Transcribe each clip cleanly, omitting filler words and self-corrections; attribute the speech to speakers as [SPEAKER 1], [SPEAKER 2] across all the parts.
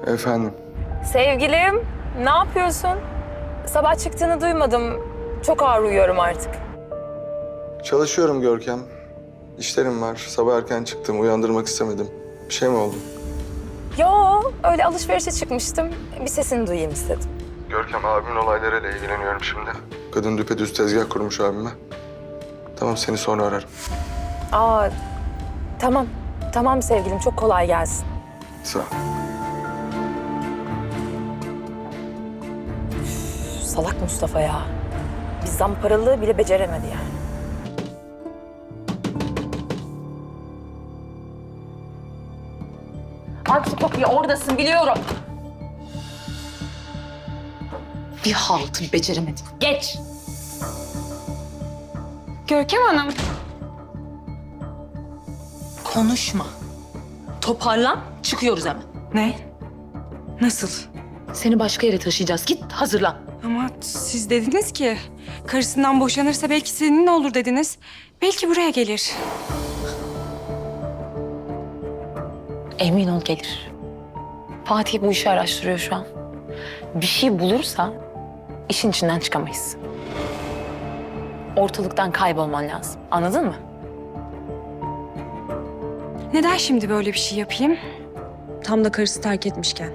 [SPEAKER 1] Efendim?
[SPEAKER 2] Sevgilim, ne yapıyorsun? Sabah çıktığını duymadım. Çok ağır uyuyorum artık.
[SPEAKER 1] Çalışıyorum Görkem. İşlerim var. Sabah erken çıktım. Uyandırmak istemedim. Bir şey mi oldu?
[SPEAKER 2] Yo, öyle alışverişe çıkmıştım. Bir sesini duyayım istedim.
[SPEAKER 1] Görkem, abimin olaylarıyla ilgileniyorum şimdi. Kadın düpedüz tezgah kurmuş abime. Tamam, seni sonra ararım.
[SPEAKER 2] Aa, tamam. Tamam sevgilim, çok kolay gelsin.
[SPEAKER 1] Sağ ol.
[SPEAKER 2] Salak Mustafa ya. Bir zamparalığı bile beceremedi yani. Aksi kapıyı oradasın biliyorum.
[SPEAKER 3] Bir haltı beceremedim. Geç.
[SPEAKER 4] Görkem Hanım.
[SPEAKER 3] Konuşma. Toparlan, çıkıyoruz hemen.
[SPEAKER 4] Ne? Nasıl?
[SPEAKER 3] Seni başka yere taşıyacağız. Git, hazırlan.
[SPEAKER 4] Ama siz dediniz ki karısından boşanırsa belki seninle olur dediniz. Belki buraya gelir.
[SPEAKER 3] Emin ol gelir. Fatih bu işi araştırıyor şu an. Bir şey bulursa işin içinden çıkamayız. Ortalıktan kaybolman lazım. Anladın mı?
[SPEAKER 4] Neden şimdi böyle bir şey yapayım? Tam da karısı terk etmişken.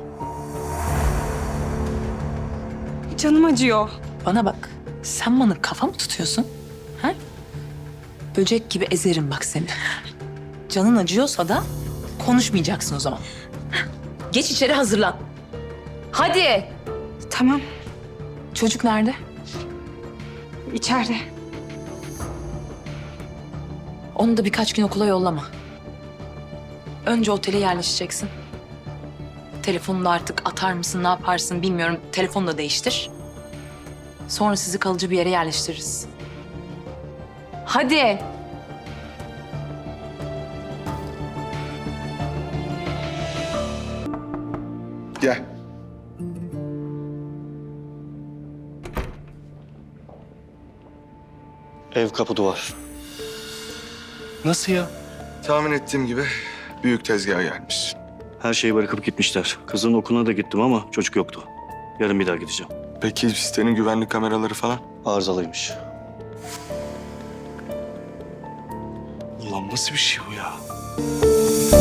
[SPEAKER 4] Canım acıyor.
[SPEAKER 3] Bana bak. Sen bana kafa mı tutuyorsun? Ha? Böcek gibi ezerim bak seni. Canın acıyorsa da konuşmayacaksın o zaman. Geç içeri hazırlan. Hadi.
[SPEAKER 4] Tamam,
[SPEAKER 3] Çocuk nerede?
[SPEAKER 4] içeride.
[SPEAKER 3] Onu da birkaç gün okula yollama. Önce otele yerleşeceksin. Telefonunu da artık atar mısın, ne yaparsın bilmiyorum. Telefonu da değiştir. Sonra sizi kalıcı bir yere yerleştiririz. Hadi.
[SPEAKER 1] Gel.
[SPEAKER 5] Ev kapı duvar. Nasıl ya?
[SPEAKER 1] Tahmin ettiğim gibi büyük tezgaha gelmiş.
[SPEAKER 5] Her şeyi bırakıp gitmişler. Kızın okuluna da gittim ama çocuk yoktu. Yarın bir daha gideceğim.
[SPEAKER 1] Peki sitenin güvenlik kameraları falan?
[SPEAKER 5] Arızalıymış.
[SPEAKER 1] Ulan nasıl bir şey bu ya?